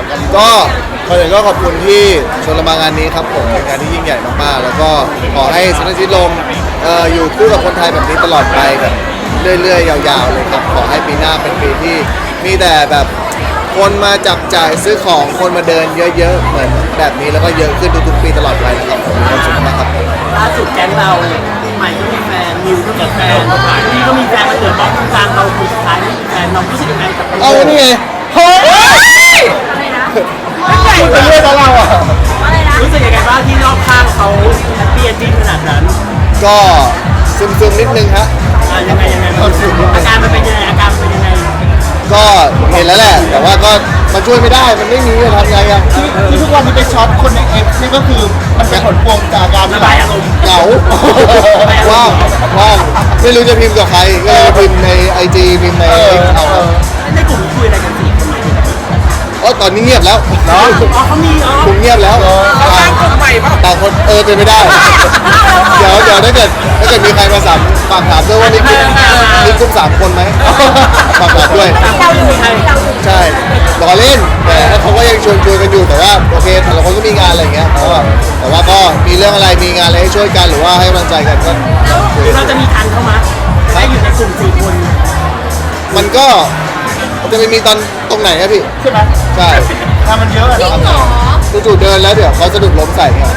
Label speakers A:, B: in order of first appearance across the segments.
A: ก็ก่อนอื่นก็ขอบคุณที่ชวนเรามางานนี้ครับผมเป็นงานที่ยิ่งใหญ่มากๆแล้วก็ขอให้สนับสนุนลมอยู่คู่กับคนไทยแบบนี้ตลอดไปแบบเรื่อยๆยาวๆเลยครับขอให้ปีหน้าเป็นปีที่มีแต่แบบคนมาจับจ่ายซื้อของคนมาเดินเยอะๆเหมือนแบบนี้แล้วก็เยอะขึ้นทุกๆปีตลอดไปนะครับผมมีความสุขมากครับ
B: ล่าสุดแก๊งเราใหม่ก็มีแฟนนิวก็มีแฟนพี่ก็มีแฟนมาเกิดบล็อกกลางเราคนสุดท้ายไม่มีแฟนเรารู้สึกยังไงกับ
A: เอานี่ไงเฮ้ยไม่ใช่เป็นเรื่องของเราอ่ะ
B: รู้สึกยังไงบ้างที่รอบข้างเขาแฮปปี้เอนดิ้งขนาดนั้น
A: ก็ซึมๆนิดนึงฮะ
B: ยังไงอาการมันเป็นยังไงอาการมันเป็นยังไง
A: ก็เห็นแล้วแหละ แต่ว่าก็มันช่วยไม่ได้มันไม่มีจะทำไงอ่ะ
C: ที่ทุกวันนี้ไปช็อตคนในเอ็กซ์นี่ก็คือมันเป็นผลพวงจากการ
B: ระบายอารมณ์
A: เหงาว่างไม่รู้จะพิมพ์กับใครก็เลยพิมพ์ใน IG พิมพ์ใน X เอาครับ
B: ในกลุ่มคุยอะไรกันสี่คนไหม
A: ตอนนี้เงียบแล้ว
B: อ๋อเขามี
A: กลุ่มเงียบแล้วต่างคนเป็นไม่ได้ เดี๋ยวถ้าเกิดมีใครมาฝากถามด้วยว่ามีกลุ่ม3 คนไหมฝากถามด้วย
B: เราอยู่ใคร
A: ใช่ล้อเล่นแต่เขาก็ยังชวนกันอยู่แต่ว่าโอเคแต่ละคนก็มีงานอะไรเงี้ยแต่ว่าก็มีเรื่องอะไรมีงานอะไรให้ช่วยกันหรือว่าให้กำลังใจกันก็
B: คือเราจะมีทันเข้ามาได้อยู่ในกลุ่ม4 คน
A: มันก็จะไม่มีตรงไหนครับพี่
C: ใช่ไหม
A: ใช่
C: ถ้ามันเยอะอะเนาะ
A: จู่ๆเดินแล้วเดี๋ยวเขาสะดุดล้มใส่เนี่ย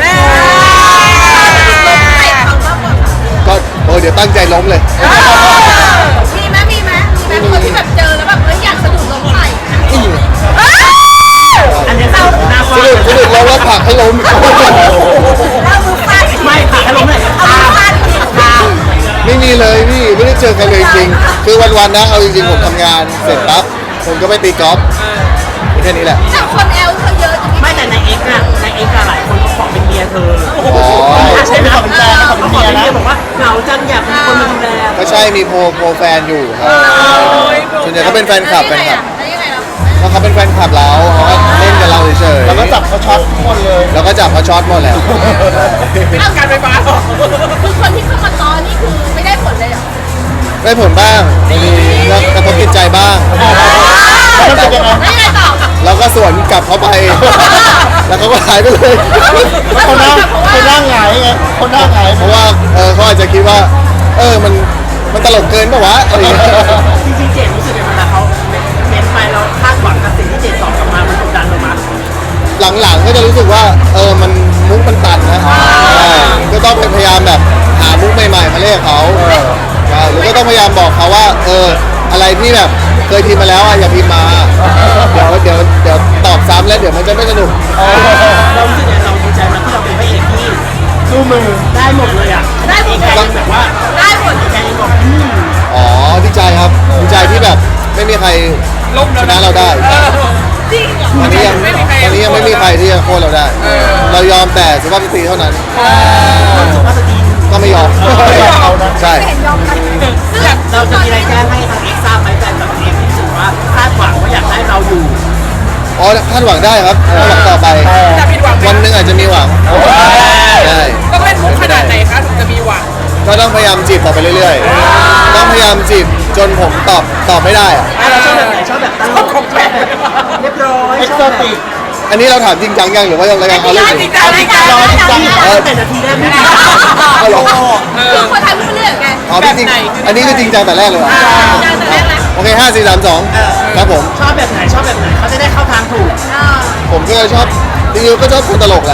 A: ก็เดี๋ยวตั้งใจล้มเลย
D: มีคนที่แบบเจอแล้วแบบอยากสะดุดล้มใส่
B: อันนี้เราหน้า
A: สะดุดล้มแล้วผลักให้ล้ม
D: เรามือฟาด
B: ไม่ค่ะให้ล้มเลย
D: เอามือฟาดจริง
A: ไม่มีเลยพี่ไม่ได้เจอใครเลยจริงคือวันๆนะเอาจริงๆผมทำงานเสร็จปั๊บผมก็ไปตีกอล์ฟแค่นี้แหละ
D: แต่คนแอลเขาเยอะจริง
B: ไม่แต่ในเอ็กซ์อะหลายคนเขาขอเป็นเมียเธอ
A: อ๋อ
B: ใช่ไหมเขาขอเป็นเมียบอกว่าเหงาจังอยากมีคนมาดูแล
A: ก็ใช่มีโปรแฟนอยู่ครับส่วนใหญ่เขาเป็นแฟนคลับ
D: แล้วยังไงล่ะ
A: เพราะเขาเป็นแฟนคลับเราเขาก็เล่นกับเราเฉยๆ
C: แล้วก็จับเขาช็อตทุกคนเลย
A: แล้วก็จับเขาช็อตหมดแล้ว
D: เอาการไฟฟ้าหรอคือคนที่เข้ามาตอนนี่คือไม่ได้ผลเลยเหรอ
A: ได้ผลบ้างมีแล้วกระทบจิตใจบ้าง
C: แล้วเป็นยังไง
D: แล้วยังไงต่อ
A: แล้วก็สวนกลับเขาไป แล้วเขาก็หายไปเลย
C: คนหน้าหงายไงคนหน้าหงาย
A: เพราะว่าเขาอาจจะคิดว่ามันตลกเกินป่ะวะอะไรอย่างเงี้ย
B: จริงๆเจดรู้สึกยังไงเวลาเขาเม้นไปเราคาดหวังกับสิ่งที่เจดตอบกลับมามันกดดันเรามา
A: หลังๆก็จะรู้สึกว่ามันมุกมันตันนะก็ต้องพยายามแบบหามุกใหม่ๆมาเล่นกับเขาใช่หรือก็ต้องพยายามบอกเขาว่าอะไรที่แบบเคยพิมพ์มาแล้วอย่าพิมพ์มาเดี๋ยวตอบซ้ำแล้วเดี๋ยวมันจะไม่สนุก
B: เรารู้สึกยังไงเราดีใจมากที่เราเป็นพระเอกที่
C: สู้มือ
B: ได้หมดเลยอ่ะได้หมดเลยแบบว่า
D: ได้ผล
B: แกยังบอก
A: อ๋อดีใจครับดีใจที่แบบไม่มีใครชนะเราได้
D: จริงเหรอ
A: ตอนนี้ยังไม่มีใครที่จะโค่นเราได้ เรายอมแต่สุภาพสตรีเท่านั้น
B: สุภาพสตรี
A: ก็ไม่ยอมใช่
D: เห็นยอมกันซึ่ง
B: เราจะมีอะไรแจ้งให้ทางเอ็กซ์ทราบไหมแฟนกับเอ็กซ์ที่รู้สึกว่าคาดหวังว่าอยากได้เราอยู่
A: อ๋อคาดหวังได้ครับคาดหวังต่อไป
E: จะผิดหวังไหม
A: วันหนึงอาจจะมีหวังใช่
E: ต้องเล่นมุกขนาดไหนคะถึงจะมีหวัง
A: ก็ต้องพยายามจีบต่อไปเรื่อยๆต้องพยายามจีบจนผมตอบไม่ได้อะ
B: เราชอบแบบไหนชอบแบบตลกของแปลกเรียบร้อย
C: เอ็ก
B: ช
C: ซ์
B: อบแบบ
C: ติก
A: อันนี้เราถามจริงจังยังหรือว่ายังรายการเขาเล่น
E: จ
A: อ
E: ริ
A: ยู่
E: งจังจริงจัง
B: แต่นาทีแรกไม่ได้
A: เอาเหรอ
D: คือคนไทยพูดเรื่องไง
A: อ๋อพี่จริงอันนี้คือจริงจังแต่แรกเลยเหรอ
D: จังแต่แรกแหละ
A: โอเค5 4 3 2ครับผม
B: ชอบแบบไหนเขาจะได้เข้าทางถูก
A: ผมก็ชอบจริงๆก็ชอบคนตลกแหละ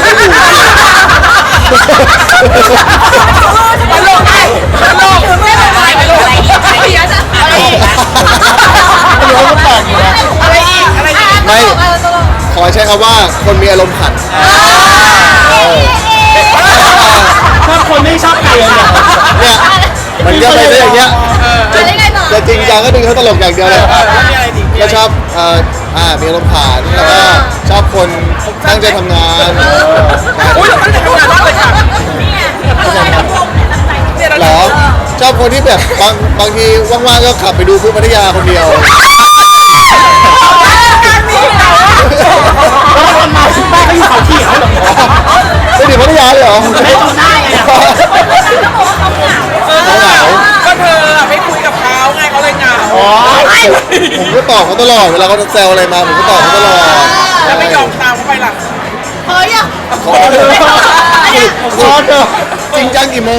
D: ตลกไงตลกคือไม่เป็นไรไม่เป็นไรไม่เยอะจะอะไรอีก
C: ไม่รู้ก็แปลกอยู่นะ
D: อะไรอีกอะไรอีกตลก
A: ขอใช้คำว่าคนมีอารมณ์ขัน
B: ชอบคนไม่ชอบใครเลย
A: เนี่ยมันก็ไปได้อย่างเงี้ย
D: อะไรไงต่อ
A: จะจริงจังก็ดึงเขาตลกอย่างเดียวเลย
E: แล้วมีอะไรดี
A: ก็ชอบมีอารมณ์ขันแล้วก็ชอบคนตั้งใจทำงาน
E: อุ้ยเราตั้งใจทำงานมากเลยค่ะ
D: นี่ไงอะไรนะพวกเนี่ยตั้งใจ
E: เนี่ยเรา
A: หรอชอบคนที่แบบบางทีว่างๆก็ขับไปดูพุพัทยาคนเดียว
B: แล้วทำไมที่บ้านเขาอยู่เขาเขียวเหรอ
A: ไปถึงพัทยาเลยเหรอ
B: ไม่จำได้ไง
A: เหงา
E: ก็เธอไม่คุยกับเขาไงเขาเลยเหงา
A: ผมก็ตอบเขาตลอดเวลาเขาแซวอะไรมาผมก็ตอบเขาตลอดขอเถอะขอเถอะจริงจังกี่โมง